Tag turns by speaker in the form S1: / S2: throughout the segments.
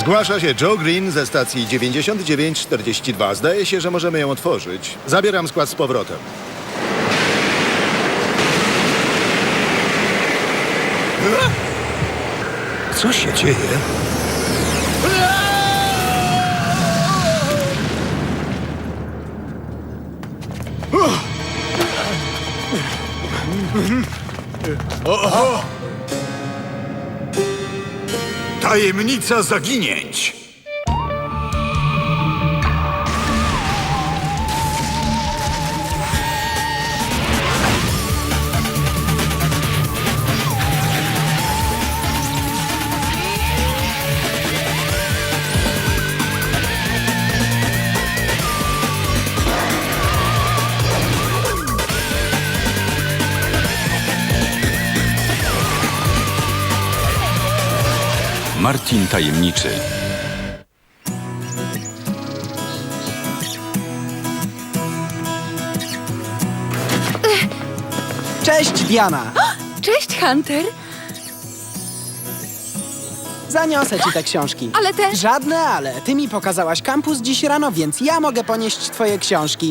S1: Zgłasza się Joe Green ze stacji 9942. Zdaje się, że możemy ją otworzyć. Zabieram skład z powrotem. Co się dzieje?
S2: Tajemnica zaginięć.
S3: Martin Tajemniczy.
S4: Cześć, Diana!
S5: Cześć, Hunter!
S4: Zaniosę ci te książki.
S5: Ale te...
S4: Żadne ale. Ty mi pokazałaś kampus dziś rano, więc ja mogę ponieść twoje książki.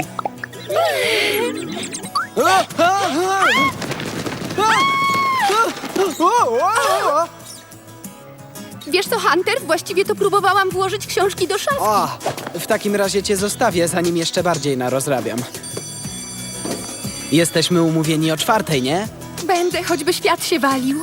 S5: Wiesz co, Hunter? Właściwie to próbowałam włożyć książki do szafy.
S4: O, w takim razie cię zostawię, zanim jeszcze bardziej narozrabiam. Jesteśmy umówieni o 4:00, nie?
S5: Będę, choćby świat się walił.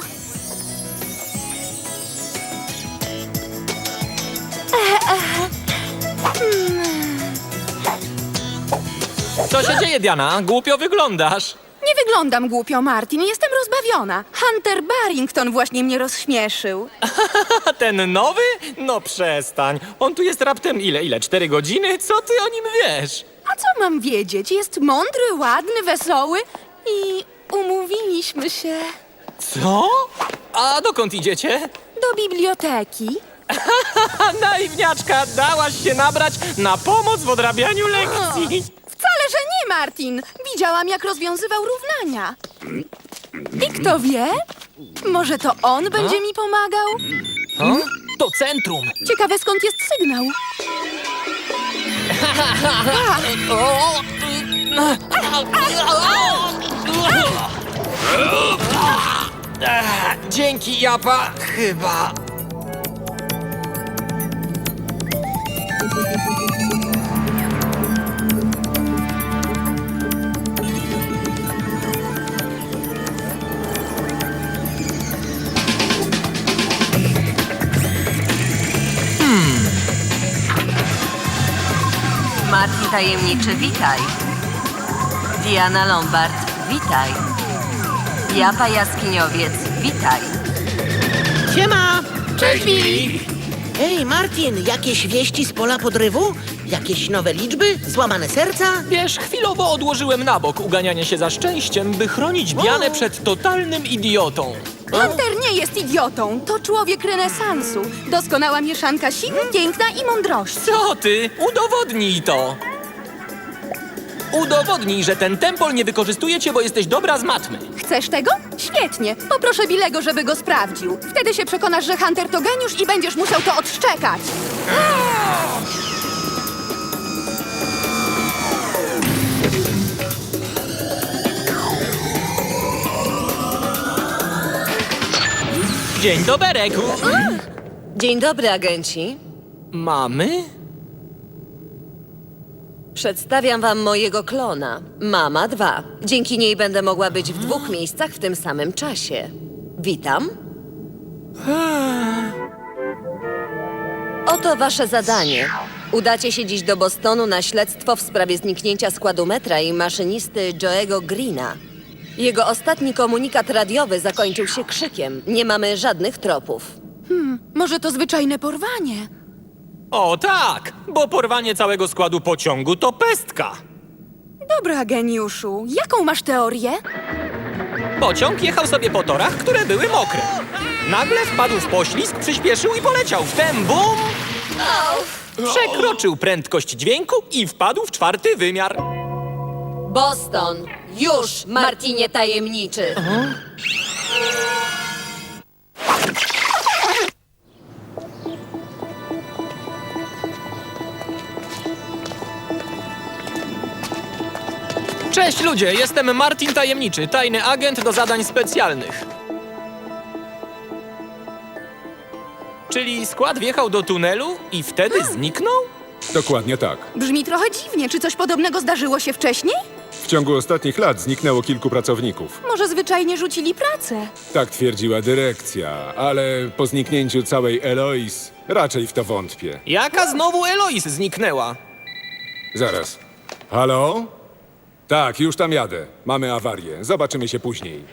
S6: Co się dzieje, Diana? Głupio wyglądasz.
S5: Nie wyglądam głupio, Martin. Jestem rozbawiona. Hunter Barrington właśnie mnie rozśmieszył.
S6: A ten nowy? No przestań. On tu jest raptem ile? 4 godziny? Co ty o nim wiesz?
S5: A co mam wiedzieć? Jest mądry, ładny, wesoły i umówiliśmy się
S6: Co? A dokąd idziecie?
S5: do biblioteki.
S6: Naiwniaczka, dałaś się nabrać na pomoc w odrabianiu lekcji.
S5: Wcale, że nie, Martin. Widziałam, jak rozwiązywał równania. I kto wie? Może to on będzie mi pomagał?
S6: To centrum.
S5: Ciekawe, skąd jest sygnał.
S6: Dzięki, Japa. Chyba.
S7: Martin Tajemniczy, witaj. Diana Lombard, witaj. Japa Jaskiniowiec, witaj.
S8: Siema!
S6: Cześć, Billy.
S8: Ej, Martin, jakieś wieści z pola podrywu? Jakieś nowe liczby? Złamane serca?
S6: Wiesz, chwilowo odłożyłem na bok uganianie się za szczęściem, by chronić Dianę przed totalnym idiotą.
S5: Hunter nie jest idiotą. To człowiek renesansu. Doskonała mieszanka siły, piękna i mądrości.
S6: Co ty? Udowodnij to! Udowodnij, że ten tempol nie wykorzystuje cię, bo jesteś dobra z matmy.
S5: Chcesz tego? Świetnie. Poproszę Billego, żeby go sprawdził. Wtedy się przekonasz, że Hunter to geniusz i będziesz musiał to odszczekać.
S6: Dzień doberek.
S7: Dzień dobry, agenci.
S6: Mamy?
S7: Przedstawiam wam mojego klona, Mama 2. Dzięki niej będę mogła być w 2 miejscach w tym samym czasie. Witam. Oto wasze zadanie. Udacie się dziś do Bostonu na śledztwo w sprawie zniknięcia składu metra i maszynisty Joe'ego Greena. Jego ostatni komunikat radiowy zakończył się krzykiem. Nie mamy żadnych tropów.
S5: Może to zwyczajne porwanie?
S6: O tak, bo porwanie całego składu pociągu to pestka.
S5: Dobra, geniuszu. Jaką masz teorię?
S6: Pociąg jechał sobie po torach, które były mokre. Nagle wpadł w poślizg, przyspieszył i poleciał. Wtem bum! Przekroczył prędkość dźwięku i wpadł w 4. wymiar.
S7: Boston! Już, Martinie Tajemniczy!
S6: Cześć ludzie, jestem Martin Tajemniczy, tajny agent do zadań specjalnych. Czyli skład wjechał do tunelu i wtedy zniknął?
S3: Dokładnie tak.
S5: Brzmi trochę dziwnie. Czy coś podobnego zdarzyło się wcześniej?
S3: W ciągu ostatnich lat zniknęło kilku pracowników.
S5: Może zwyczajnie rzucili pracę?
S3: Tak twierdziła dyrekcja, ale po zniknięciu całej Eloise raczej w to wątpię.
S6: Jaka znowu Eloise zniknęła?
S3: Zaraz. Halo? Tak, już tam jadę. Mamy awarię. Zobaczymy się później.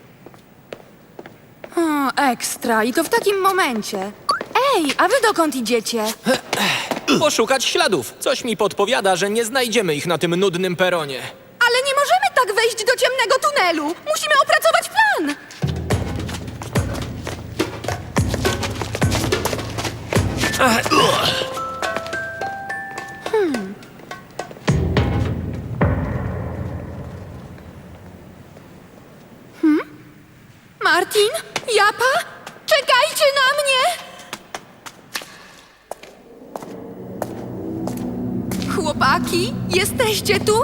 S5: O, ekstra. I to w takim momencie. Ej, a wy dokąd idziecie?
S6: Poszukać śladów. Coś mi podpowiada, że nie znajdziemy ich na tym nudnym peronie.
S5: Ale nie możemy tak wejść do ciemnego tunelu. Musimy opracować plan. Martin? Japa? Czekajcie na mnie! Chłopaki, jesteście tu?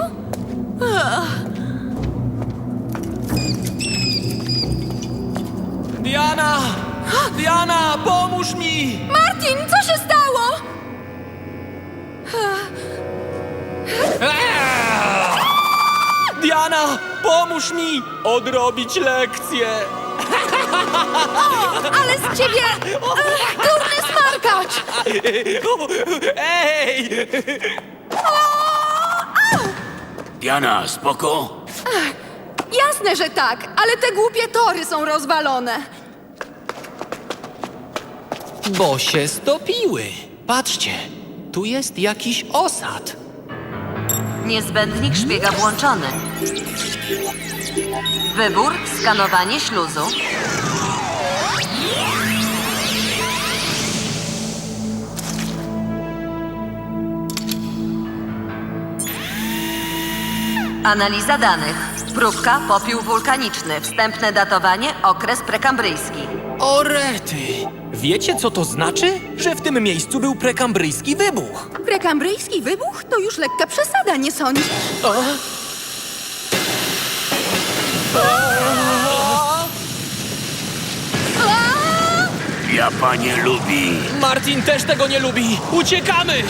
S6: Diana! Diana, pomóż mi!
S5: Martin, co się stało?
S6: Diana, pomóż mi odrobić lekcję!
S5: Ale z ciebie durny smarkacz!
S6: Ej!
S2: Diana, spoko?
S5: Jasne, że tak, ale te głupie tory są rozwalone.
S6: Bo się stopiły. Patrzcie, tu jest jakiś osad.
S7: Niezbędnik szpiega włączony. Wybór, skanowanie śluzu. Analiza danych. Próbka, popiół wulkaniczny. Wstępne datowanie, okres prekambryjski.
S6: O rety! Wiecie, co to znaczy? Że w tym miejscu był prekambryjski wybuch.
S5: Prekambryjski wybuch to już lekka przesada, nie sądzisz?
S2: Japa nie lubi.
S6: Martin też tego nie lubi. Uciekamy!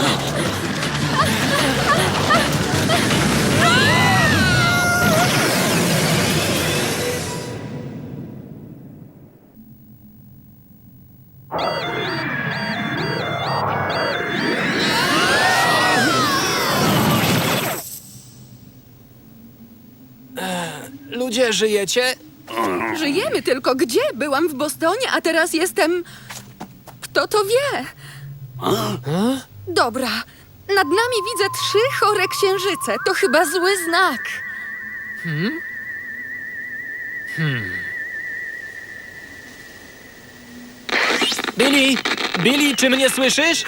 S6: Ludzie, żyjecie?
S5: Żyjemy, tylko gdzie? Byłam w Bostonie, a teraz jestem... Kto to wie? Dobra, nad nami widzę 3 chore księżyce. To chyba zły znak.
S6: Billy! Billy, czy mnie słyszysz?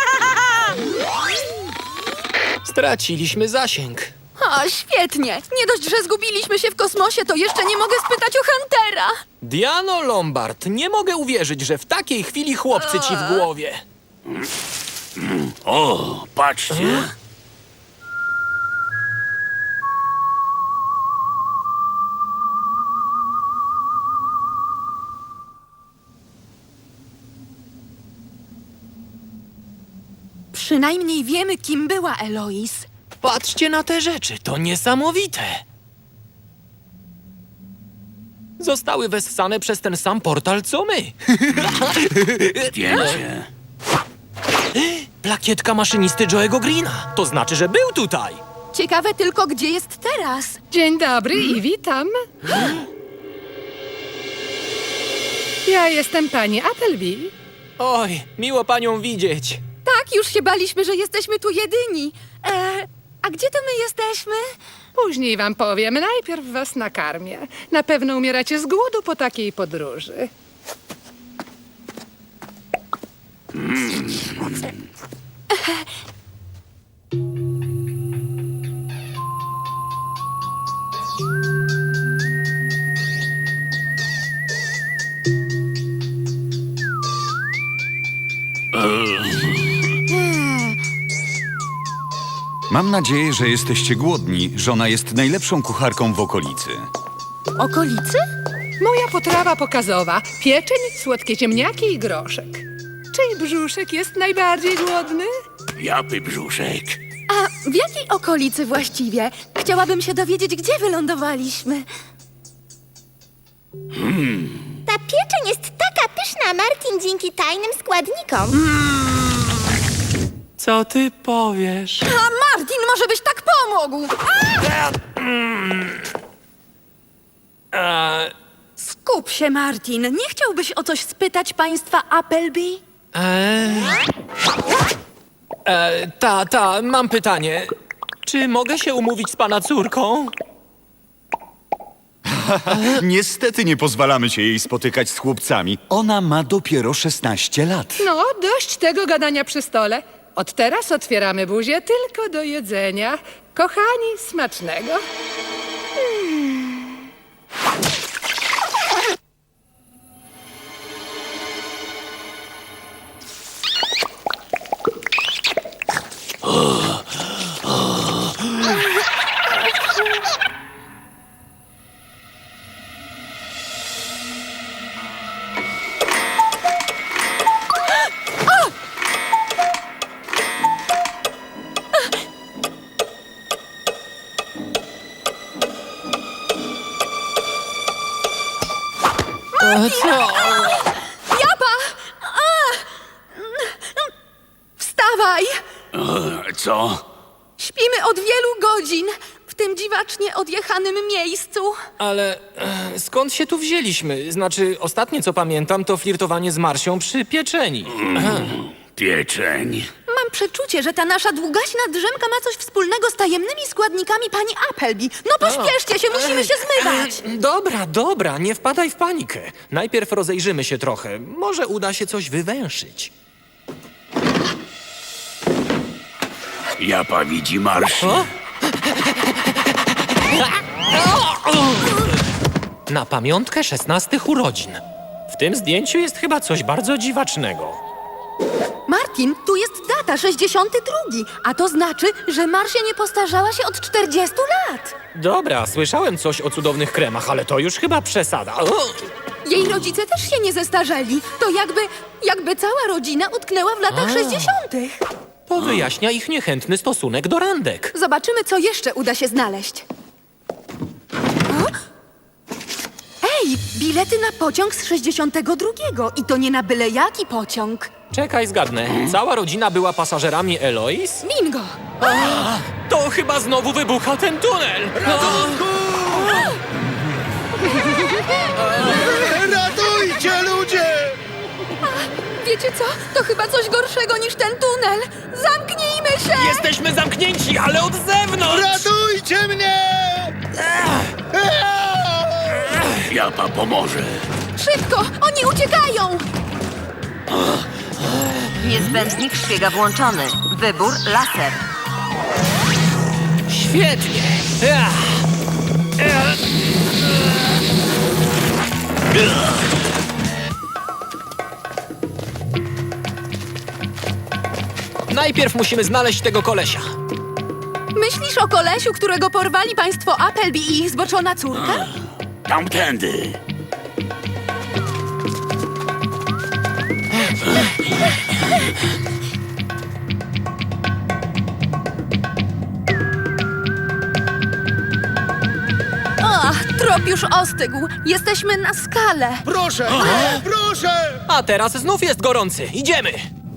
S6: Straciliśmy zasięg.
S5: O, świetnie. Nie dość, że zgubiliśmy się w kosmosie, to jeszcze nie mogę spytać o Huntera.
S6: Diano Lombard, nie mogę uwierzyć, że w takiej chwili chłopcy ci w głowie.
S2: O, patrzcie.
S5: Przynajmniej wiemy, kim była Eloise.
S6: Patrzcie na te rzeczy, to niesamowite. Zostały wessane przez ten sam portal, co my.
S2: Zdjęcie.
S6: Plakietka maszynisty Joe'ego Greena. To znaczy, że był tutaj.
S5: Ciekawe tylko, gdzie jest teraz.
S9: Dzień dobry i witam. Ja jestem pani Appleby.
S6: Oj, miło panią widzieć.
S5: Tak, już się baliśmy, że jesteśmy tu jedyni. A gdzie to my jesteśmy?
S9: Później wam powiem, najpierw was nakarmię. Na pewno umieracie z głodu po takiej podróży.
S10: Mam nadzieję, że jesteście głodni. Żona jest najlepszą kucharką w okolicy.
S5: Okolicy?
S9: Moja potrawa pokazowa. Pieczeń, słodkie ziemniaki i groszek. Czyj brzuszek jest najbardziej głodny?
S2: Japy brzuszek.
S5: A w jakiej okolicy właściwie? Chciałabym się dowiedzieć, gdzie wylądowaliśmy.
S11: Ta pieczeń jest taka pyszna, Martin, dzięki tajnym składnikom.
S6: Co ty powiesz?
S5: A Martin, może byś tak pomógł? Skup się, Martin. Nie chciałbyś o coś spytać państwa Appleby?
S6: Mam pytanie. Czy mogę się umówić z pana córką?
S10: Niestety nie pozwalamy się jej spotykać z chłopcami. Ona ma dopiero 16 lat.
S9: No, dość tego gadania przy stole. Od teraz otwieramy buzię tylko do jedzenia. Kochani, smacznego.
S5: Japa! Wstawaj!
S2: Co?
S5: Śpimy od wielu godzin w tym dziwacznie odjechanym miejscu.
S6: Ale skąd się tu wzięliśmy? Znaczy, ostatnie co pamiętam, to flirtowanie z Marsią przy pieczeni.
S2: Pieczeń.
S5: Mam przeczucie, że ta nasza długaśna drzemka ma coś wspólnego z tajemnymi składnikami pani Appleby. No pośpieszcie się, musimy się zmywać.
S6: Dobra, nie wpadaj w panikę. Najpierw rozejrzymy się trochę. Może uda się coś wywęszyć.
S2: Japa widzi Marsi.
S6: Na pamiątkę 16 urodzin. W tym zdjęciu jest chyba coś bardzo dziwacznego.
S5: Martin, tu jest data 62, a to znaczy, że Marsia nie postarzała się od 40 lat.
S6: Dobra, słyszałem coś o cudownych kremach, ale to już chyba przesada.
S5: Jej rodzice też się nie zestarzeli. To jakby cała rodzina utknęła w latach 60.
S6: To wyjaśnia ich niechętny stosunek do randek.
S5: Zobaczymy, co jeszcze uda się znaleźć. O? Ej, bilety na pociąg z 62 i to nie na byle jaki pociąg.
S6: Czekaj, zgadnę. Cała rodzina była pasażerami Eloise?
S5: Bingo!
S6: To chyba znowu wybucha ten tunel!
S1: Ratujcie, ludzie!
S5: Wiecie co? To chyba coś gorszego niż ten tunel. Zamknijmy się!
S6: Jesteśmy zamknięci, ale od zewnątrz!
S1: Ratujcie mnie!
S2: Japa pomoże.
S5: Szybko! Oni uciekają!
S7: Niezbędnik szpiega włączony. Wybór laser.
S6: Świetnie! Najpierw musimy znaleźć tego kolesia.
S5: Myślisz o kolesiu, którego porwali państwo Appleby i ich zboczona córka?
S2: Tamtędy.
S5: Ach, trop już ostygł. Jesteśmy na skale.
S1: Proszę! Proszę!
S6: A teraz znów jest gorący. Idziemy!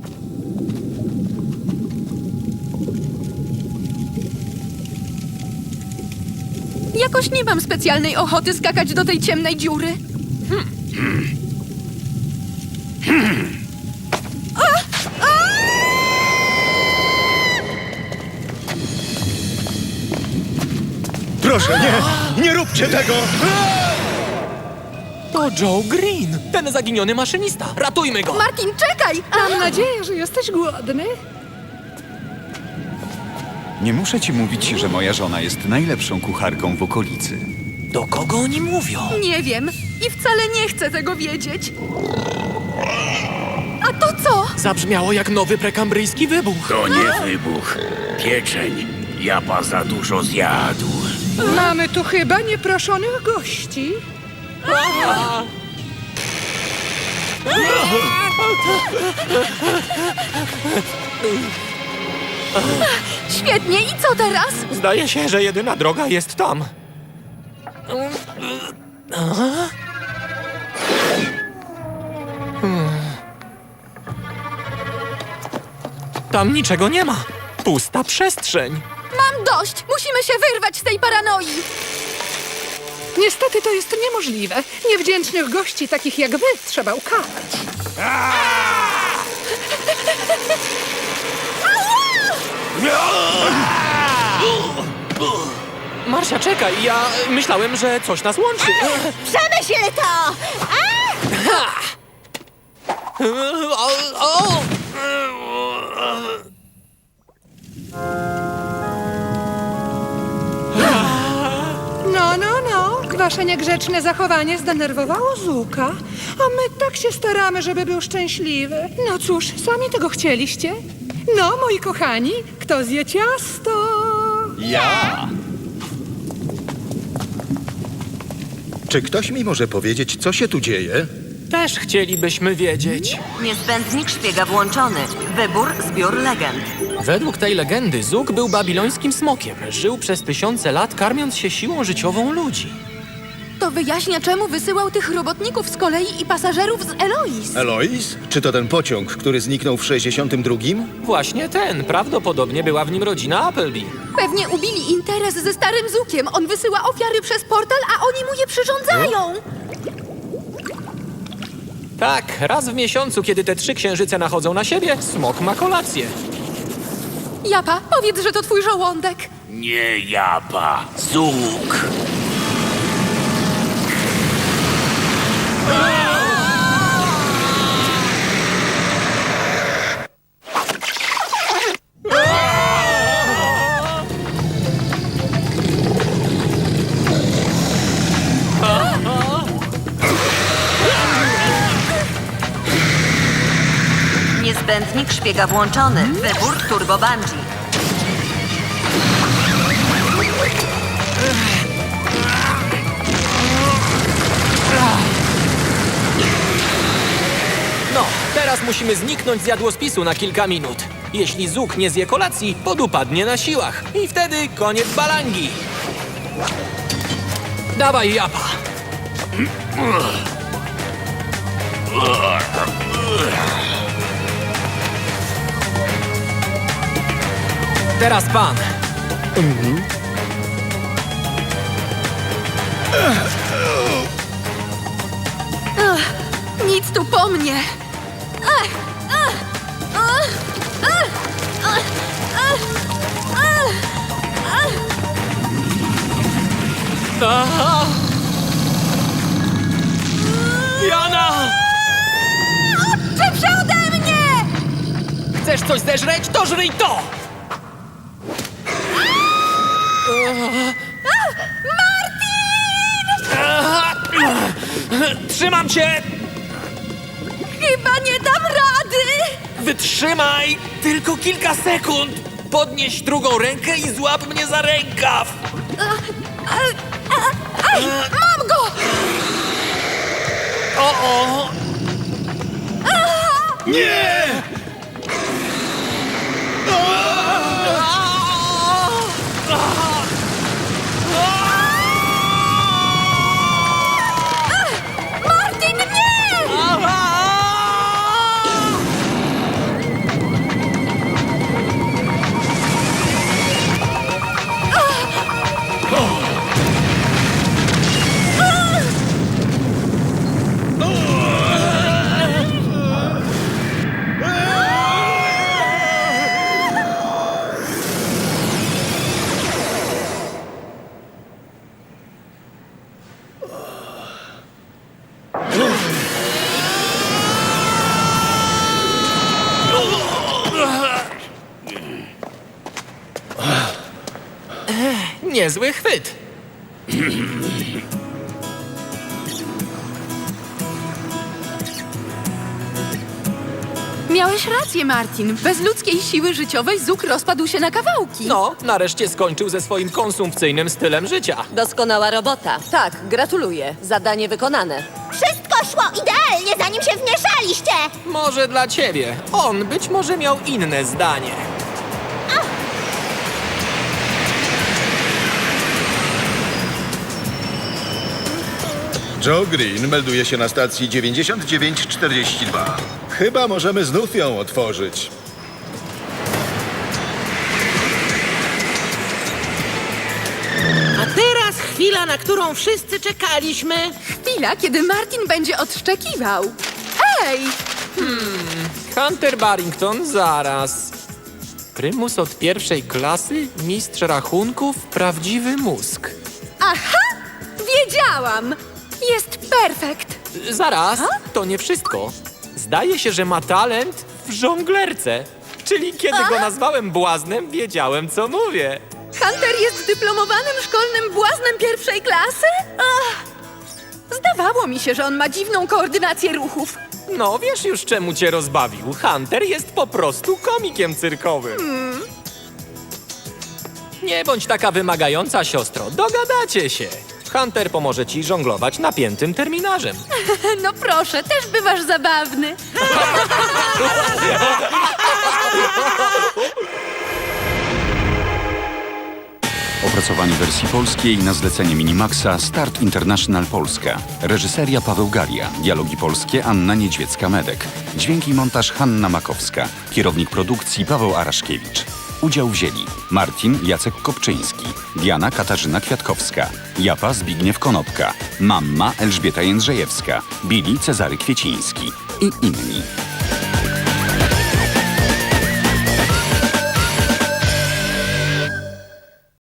S5: Jakoś nie mam specjalnej ochoty skakać do tej ciemnej dziury.
S1: Proszę, nie! Nie róbcie tego!
S6: To Joe Green, ten zaginiony maszynista. Ratujmy go!
S5: Martin, czekaj!
S9: Mam nadzieję, że jesteś głodny.
S10: Nie muszę ci mówić, że moja żona jest najlepszą kucharką w okolicy.
S6: Do kogo oni mówią?
S5: Nie wiem i wcale nie chcę tego wiedzieć. A to co?
S6: Zabrzmiało jak nowy prekambryjski wybuch.
S2: To nie wybuch. Pieczeń. Japa za dużo zjadł.
S9: Mamy tu chyba nieproszonych gości.
S5: Świetnie, i co teraz?
S6: Zdaje się, że jedyna droga jest tam. Tam niczego nie ma. Pusta przestrzeń.
S5: Mam dość! Musimy się wyrwać z tej paranoi!
S9: Niestety to jest niemożliwe. Niewdzięcznych gości takich jak wy trzeba ukarać.
S6: Marsia, czekaj, ja myślałem, że coś nas łączy.
S11: Przemyśl to!
S9: No. Wasze niegrzeczne zachowanie zdenerwowało Zuka, a my tak się staramy, żeby był szczęśliwy. No cóż, sami tego chcieliście. No, moi kochani, kto zje ciasto?
S10: Ja!
S1: Czy ktoś mi może powiedzieć, co się tu dzieje?
S6: Też chcielibyśmy wiedzieć.
S7: Niezbędnik szpiega włączony. Wybór, zbiór legend.
S6: Według tej legendy Zuk był babilońskim smokiem. Żył przez tysiące lat, karmiąc się siłą życiową ludzi.
S5: To wyjaśnia, czemu wysyłał tych robotników z kolei i pasażerów z Elois.
S1: Elois? Czy to ten pociąg, który zniknął w 62?
S6: Właśnie ten. Prawdopodobnie była w nim rodzina Appleby.
S5: Pewnie ubili interes ze starym Zukiem. On wysyła ofiary przez portal, a oni mu je przyrządzają.
S6: Tak, raz w miesiącu, kiedy te 3 księżyce nachodzą na siebie, smok ma kolację.
S5: Japa, powiedz, że to twój żołądek.
S2: Nie Japa, Zuk.
S7: Niezbędnik szpiega włączony. Wybór, turbo bungee.
S6: No, teraz musimy zniknąć z jadłospisu na kilka minut. Jeśli Zuk nie zje kolacji, podupadnie na siłach. I wtedy koniec balangi. Dawaj, Japa. Teraz pan.
S5: Nic tu po mnie.
S6: Jana!
S5: Szybsze ode mnie!
S6: Chcesz coś zeżreć? To żryj to! Martin! Trzymam cię!
S5: Chyba nie dam rady!
S6: Wytrzymaj! Tylko kilka sekund! Podnieś drugą rękę i złap mnie za rękaw!
S5: Mam go!
S6: O!
S1: Nie!
S5: Martin, nie!
S6: Niezły chwyt.
S5: Miałeś rację, Martin. Bez ludzkiej siły życiowej Zuk rozpadł się na kawałki.
S6: No, nareszcie skończył ze swoim konsumpcyjnym stylem życia.
S7: Doskonała robota. Tak, gratuluję. Zadanie wykonane.
S11: Wszystko szło idealnie, zanim się wmieszaliście!
S6: Może dla ciebie. On być może miał inne zdanie.
S1: Joe Green melduje się na stacji 9942. Chyba możemy znów ją otworzyć.
S8: A teraz chwila, na którą wszyscy czekaliśmy.
S5: Chwila, kiedy Martin będzie odszczekiwał. Ej!
S6: Hunter Barrington, zaraz. Prymus od pierwszej klasy, mistrz rachunków, prawdziwy mózg.
S5: Aha! Wiedziałam! Jest perfekt!
S6: Zaraz, to nie wszystko. Zdaje się, że ma talent w żonglerce. Czyli kiedy go nazwałem błaznem, wiedziałem, co mówię.
S5: Hunter jest dyplomowanym szkolnym błaznem pierwszej klasy? Ach. Zdawało mi się, że on ma dziwną koordynację ruchów.
S6: No, wiesz już, czemu cię rozbawił. Hunter jest po prostu komikiem cyrkowym. Nie bądź taka wymagająca, siostro. Dogadacie się. Hunter pomoże ci żonglować napiętym terminarzem.
S5: No proszę, też bywasz zabawny.
S10: Opracowanie wersji polskiej na zlecenie Minimaxa Start International Polska. Reżyseria Paweł Galia. Dialogi polskie Anna Niedźwiecka-Medek. Dźwięki i montaż Hanna Makowska. Kierownik produkcji Paweł Araszkiewicz. Udział wzięli Martin Jacek Kopczyński, Diana Katarzyna Kwiatkowska, Japa Zbigniew Konopka, Mamma Elżbieta Jędrzejewska, Billy Cezary Kwieciński i inni.